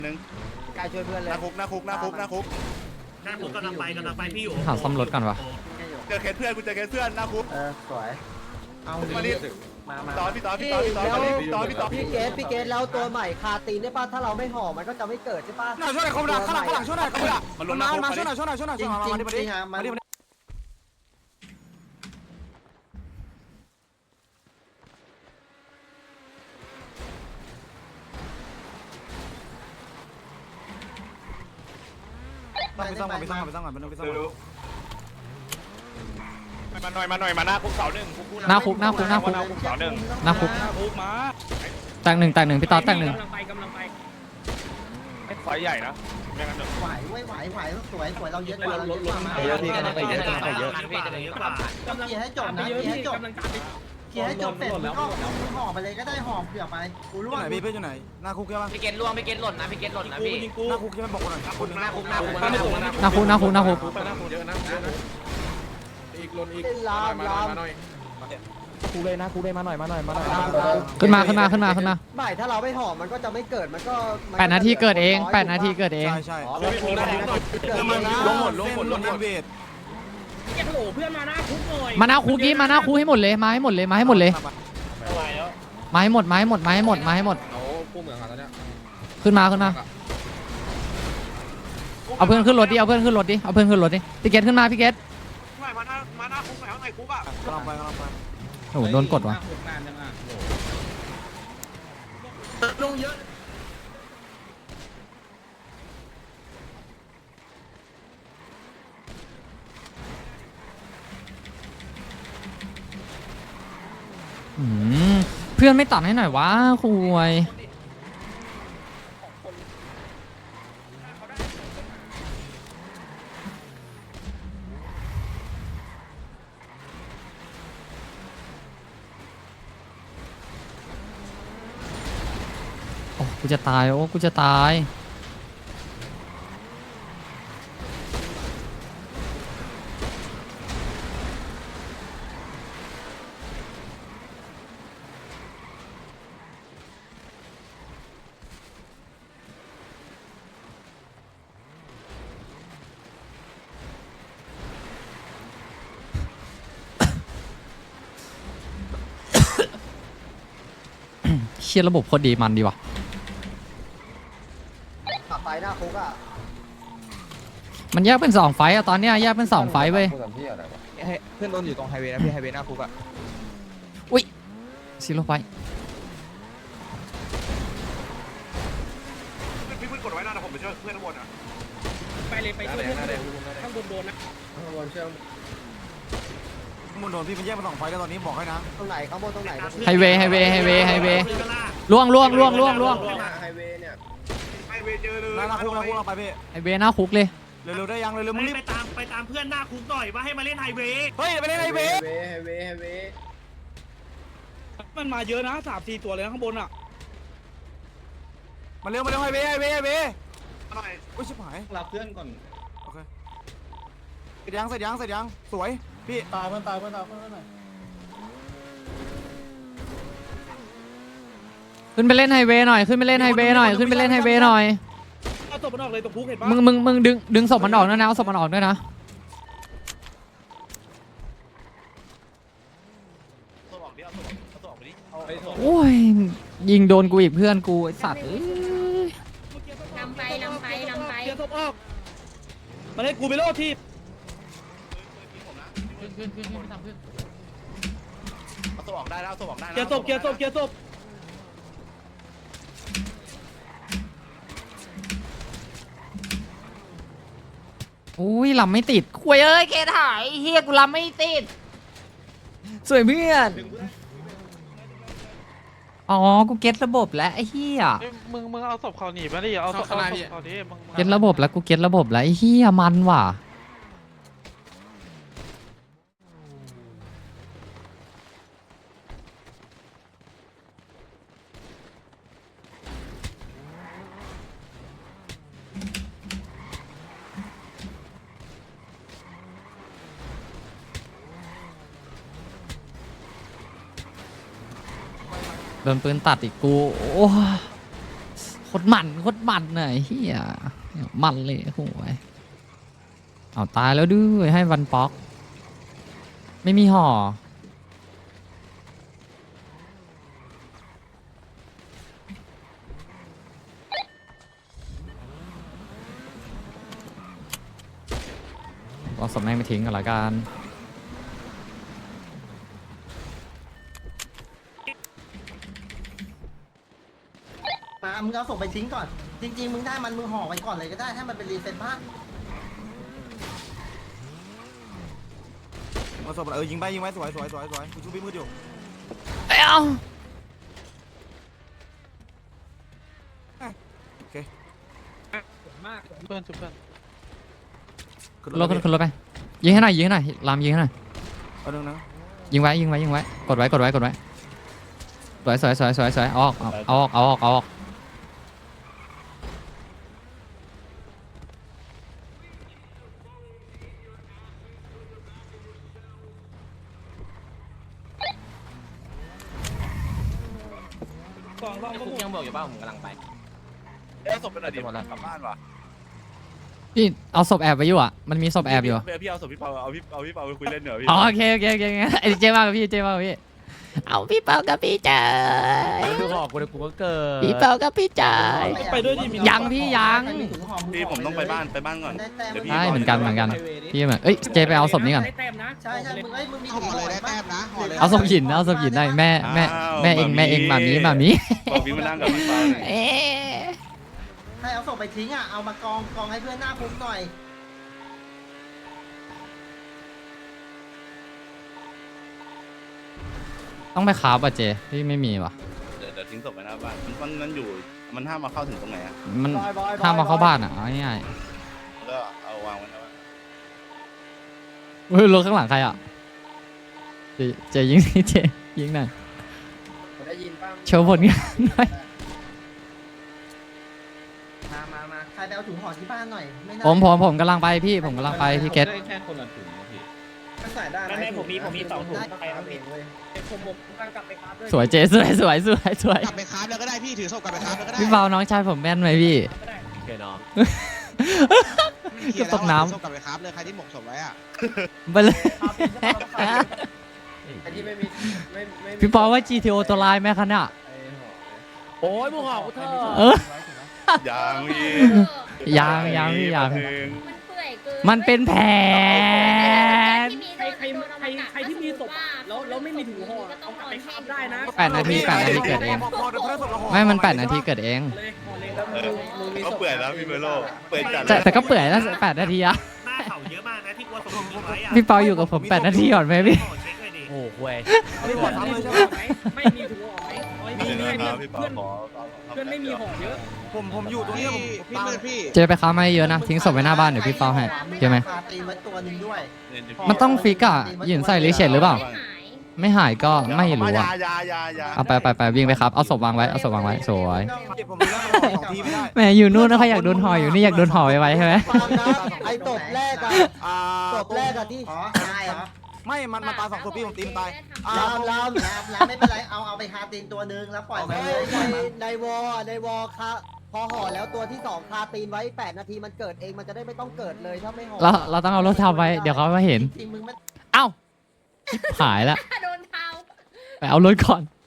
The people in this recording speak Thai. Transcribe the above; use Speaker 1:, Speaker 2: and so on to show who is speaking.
Speaker 1: หนึ่ง
Speaker 2: กายช่วยเพื่อนเลย
Speaker 1: หน้าคุกกำลังไปพี่อยู่
Speaker 3: หาซ่อมรถกันวะ
Speaker 1: เจอเคสเพื่อนกูเจอเคสเพื่อนหน้าคุก
Speaker 2: สวยเอา
Speaker 1: มาดิ
Speaker 2: มา
Speaker 1: พี่ต่อ
Speaker 2: พี่เกตแล้วตัวใหม่คาตีนได้ป่ะถ้าเราไม่ห่อมันก็จะไม่เกิดใช่ป่ะ
Speaker 4: ช่วยหน่อยเขาด่าข้างหลังช่วยหน่อยเขาด่ามาช่วยหน่อย
Speaker 2: จริง
Speaker 4: มาดิ ไปซ่อมก่อนมาหน่อยมาหน้าคุกเสาหนึ่ง
Speaker 3: หน้าคุก
Speaker 4: เสาหนึ่ง
Speaker 3: หน้าคุก
Speaker 4: มา
Speaker 3: แตกหนึ่งพี่ต๊อดแตกหนึ่ง
Speaker 5: กำลังไป
Speaker 4: ไฟใหญ่นะไม่งั้น
Speaker 2: ไหวสวยเราเยอะกว่า
Speaker 5: เยอะพี่กำลังไปเยอะ
Speaker 2: เคลียร์ให้จบนะเคลียร์ให้จบเคลียร์ให้จบเสร็จก็ห่อไปเลยก็ได้ห่อเผื่อไปกูรู้
Speaker 4: ไหนพี่เพื่อนอยู่ไหนหน้าคุกใช่ปะ
Speaker 5: พี่เกตล่วงพี่เกตหล่นนะพี่
Speaker 4: หน้าคุกใช่ไหมบอกหน่อย
Speaker 5: หน้าคุก
Speaker 3: หน้าคุก
Speaker 4: เยอะนะอีกลนอีก
Speaker 2: ลาม
Speaker 6: กูเลยนะกูเลยมาหน่อย
Speaker 3: ขึ้นมา
Speaker 2: ไม่ถ้าเราไม่ห่อมันก็จะไม่เกิดมันก็
Speaker 3: 8 นาทีเกิดเอง8 นาทีเกิดเอง
Speaker 4: ใช่
Speaker 2: ลงหมด
Speaker 4: เวท
Speaker 5: พี่เกตโหลเพื่อนมาหน้าคุกหน่อย
Speaker 3: มาหน้าคุกนี้มาหน้าคุกให้หมดเลยมาให้หมดเลยมาให้หมดขึ้นมาเอาเพื่อนขึ้นรถดิพี่เกตขึ้นมาพี่เกต
Speaker 4: มาหน้าคุกไหนข้างในคุกอ่ะกำลังไป
Speaker 3: โอ้โหโดนกดวะเพื่อนไม่ตัดให้หน่อยวะคุยโอ้กูจะตายเชียร์ระบบโคตรดีมันดีว่ะ
Speaker 2: ขับไปหน้าคุกอ่ะ
Speaker 3: มันแยกเป็น2 ไฟต์อะตอนเนี้ยแยกเป็น2 ไฟต์เว้ย
Speaker 6: เพื่อนโดนอยู่ตรงไฮเวย์นะพี่ไฮเวย์หน้าคุกอ่ะ
Speaker 3: ซีโร่ไฟต์
Speaker 4: พี่เพื่อนกดไว้นะผมไปช่วยเพื่อนทั้งหมดอ่ะ
Speaker 5: ไปเลยไปช่วยข้างบนโดนนะ
Speaker 4: มุนโดนพี่มันแยกเป็น2ไฟแล้วตอนนี้บอกให้นะ
Speaker 2: ตรงไหนข้างบนตรงไหน
Speaker 3: ไฮเวย์ล่วง
Speaker 4: ไฮเวย์เจอเลยหน้าคุกเราไปพี่
Speaker 3: ไฮเวย์หน้าคุกเลย
Speaker 4: เร็วได้ยังเร็วมึงรีบ
Speaker 5: ไปตามเพื่อนหน้าคุกหน่อยว่าให้มาเล่นไฮเวย์
Speaker 4: เฮ้ยไปเล่นไฮเวย์
Speaker 5: มันมาเยอะนะ3-4 ตัวเลยข้างบนอ่ะ
Speaker 4: มาเร็วไฮเวย์หน่อยอุ้ยชิบหาย
Speaker 6: รับเพื่อนก่อน
Speaker 4: โอเคเสร็จยังสวยพี่
Speaker 6: ตายเพื่อนหน่อย
Speaker 3: ขึ้นไปเล่นไฮเวย์หน่อย
Speaker 5: เอาศพมันออกเลยตรงคุกเห็นปะ
Speaker 3: มึงดึงศพมันออกด้วยนะเอาศพมันออกด้วยนะโอ้ยยิงโดนกูอีกเพื่อนกูไอสัตว์เอ้ย
Speaker 7: นำไป
Speaker 5: เกียร์ศพออกมาเล่นกูไปโลดที
Speaker 1: เอาตัวออกได้แล้วเอาตัวออกได้
Speaker 5: เกียร์ศพ
Speaker 3: อุ้ยลำไม่ติดคุยเอ้ยเกตหายเฮียกูลำไม่ติดสวยเพื่อนอ๋อกูเก็ตระบบแล้วไอ้เฮีย
Speaker 8: มึงเอาศพเขาหนีมาดิเอาศพเขาดิมึง
Speaker 3: เก็ตระบบแล้วกูเก็ตระบบแล้วไอ้เฮียมันว่ะ โดนปืนตัดอีกกูโอ้โคโคตรมันน่ะไอ้เฮียมันเลยโอ้ยเอาตายแล้วด้วยให้วันป๊อก ไม่มีห่อเอาศพแม่งไปทิ้งกันละกัน
Speaker 2: มามึงเอาส่งไปทิ้งก่อน จริงๆมึงได้มันมึงห่อไว้ก่อนเลยก็ได้ให้มันเป็นรีเซ็ตบ้าง
Speaker 4: มาศพยิงไปสวยกูชูพี่มืดอยู่
Speaker 3: เอ้า
Speaker 8: เพื่อนชุบเพื่อน
Speaker 3: ขึ้นรถไปยิงให้หน่อยลามยิงให้หน่อย
Speaker 4: เอาหนึ่งนะ
Speaker 3: ยิงไว้กดไว้สวยเอาออก
Speaker 5: กองรอบก็
Speaker 6: คุกยังบอกอยู่ป่ะผมกำลังไป
Speaker 1: เอาศพไปหน่อยดิกลับบ้านว่ะ
Speaker 3: พี่เอาศพแอบไว้อยู่อ่ะมันมีศพแอบอยู่
Speaker 1: พี่เอาศพพี่เปาเอาพี่เปาไปคุยเล่นเหนือพี่
Speaker 3: อ๋อโอเคไอ้เจ๊มากกับพี่เอาพี่เปากับพี่จ๋า
Speaker 6: ดูหอกกูเลยกูก็เกิด
Speaker 3: พี่เปากับพี่จ๋า
Speaker 5: ไปด้วยดิมี
Speaker 3: ยังพี่ยัง
Speaker 1: พี่ผมต้องไปบ้านก่อนเดี๋ยวพี่
Speaker 3: ได้เหมือนกันพี่เหมือนเอ้ยเจไปเอาศพนี้ก่อน
Speaker 5: ได้แต้มนะ
Speaker 2: ใช่มึงมี
Speaker 4: ห่อเลยได้แต้มนะห่อเลย
Speaker 3: เอาศพหินได้แม่เองมามี
Speaker 1: บอกพี่มานั่งกับพี่เปา
Speaker 3: เอ๊ะ
Speaker 2: ให้เอาส่งไปทิ้งอ่ะเอามากองให้เพื่อนหน้าปุ๊บหน่อย
Speaker 3: ต้องไปคราบอ่ะเจพี่ไม่มีว่ะ
Speaker 1: เดี๋ยวทิ้งศพไปหน้าบ้านมันอยู่มันห้ามมาเข้าถึงตรงไหนอ่ะ
Speaker 3: มันห้ามมาเข้าบ้านอ่ะเอาง่าย
Speaker 1: ก็เอาวางไว้นะว่า
Speaker 3: ๆเฮ้ยรถข้างหลังใครอ่ะเจยิงสิเจยิงหน่อย
Speaker 2: ได้ยินป่ะ
Speaker 3: โชว์ผลงานหน่อย
Speaker 2: มาใครไปเอาถุงห่อที่บ้านหน่อยไม่น่า
Speaker 3: ผมกำลังไปพี่ผมกำลังไปพี่เกต
Speaker 5: แค่คนละถุงนะพี่
Speaker 2: ใส่ได้
Speaker 5: ไม่ผมมี2ถุง
Speaker 2: ใครเอาเองเว้ย
Speaker 5: ผมกำลังกลับไปครับด้วย
Speaker 3: สวยเจสวย
Speaker 4: กลับไปคราฟแล้วก็ได้พี่ถือศพกลับไปคราฟแล้วก็ได้
Speaker 3: พี่เบาน้องชายผมแม่นไหมพี่
Speaker 6: โอเคน้อง
Speaker 3: เก็บตกน้ำ
Speaker 4: ศพกลับไปคราฟเลยใครที่หมกศพไว้อ่ะ
Speaker 3: ไปเลย
Speaker 2: ไอ้ที่ไม่มีไม่
Speaker 3: พี่ปอว่า GTO ตัวลายไหมคะเนี่ย
Speaker 6: โอ้ยมึงหอกกูเถอะ
Speaker 3: เออ
Speaker 1: ยังพี่
Speaker 3: ยังพี่ยัง
Speaker 1: หนึ่ง
Speaker 7: มันเปื่อยเกิน
Speaker 3: มันเป็นแผน
Speaker 5: ใครที่มีศพแล้วไม่มีถุงห่อเอากลับไปคาบได้นะ
Speaker 3: 8 นาทีเกิดเอง
Speaker 4: พอเดี๋ยวเพื่อนศพเราห่อ
Speaker 3: ไม่มัน8 นาทีเกิดเอง
Speaker 5: เลยห่อเลย
Speaker 1: ก็เปื่อยแล้วพี่เมโลเปื่อยจัด
Speaker 3: แต่ก็เปื่อยนะ8 นาทีอะ
Speaker 5: หน้าเขาเยอะมากนะที่กลัวศพทิ้งไว้อะ
Speaker 3: พี่เปาอยู่กับผม8 นาทีก่อนไหมพี่
Speaker 5: เช็คเลยดิ
Speaker 6: โอ้โหเว้ย
Speaker 4: ไม่หมดซ้ำเลยใช่ไหม
Speaker 5: ไม่มีถุงห่อไหม
Speaker 1: มีนะครับพี่เปา
Speaker 5: เพื่อน
Speaker 1: ขอ
Speaker 5: เพื่อนไม่มีห่อเยอะ
Speaker 4: ผมอยู่ตรงนี้พี่มืดพี่
Speaker 3: เจไปค้ามาเยอะนะทิ้งศพไว้หน้าบ้านเดี๋ยวพี่เปาให้ใช่ไหม
Speaker 2: ปลาตีนไว้ตัวหนึงด้วย
Speaker 3: มันต้องฟิกอะหยินใส่ลิเชตหรือเปล่า
Speaker 7: หาย
Speaker 3: ไม่หายก็ไม่รู้อะ
Speaker 1: ยา
Speaker 3: เอาไปวิ่งไปครับเอาศพวางไว้สวย
Speaker 4: ผมมีเรื่องของทีไม่ได้
Speaker 3: แหมอยู่นู่นนะเขาอยากโดนห่ออยู่นี่อยากโดนห่อไว้ใช่ไหม
Speaker 2: ไอ้ตบแรกอะ
Speaker 4: ศพแรกอะที่
Speaker 2: อ๋อตายเหรอ
Speaker 4: ไม่มันตาย2ศพพี่ผมตีมันตาย
Speaker 2: ลามไม่เป็นไรเอาไปคาตีนตัวหนึงแล้วปล่อยไปเลย
Speaker 9: ในวอค่ะพอห่อแล้วตัวที่2คาตีนไว้8 นาทีมันเกิดเองมันจะได้ไม่ต้องเกิดเลยถ้าไม่ห่อ
Speaker 3: เราต้องเอารถทับไว้เดี๋ยวเขามาเห็น
Speaker 2: จริงมึงมัน
Speaker 3: เอ้าชิบหายแล้ว
Speaker 7: โดนเท้า
Speaker 3: ไปเอารถก่อน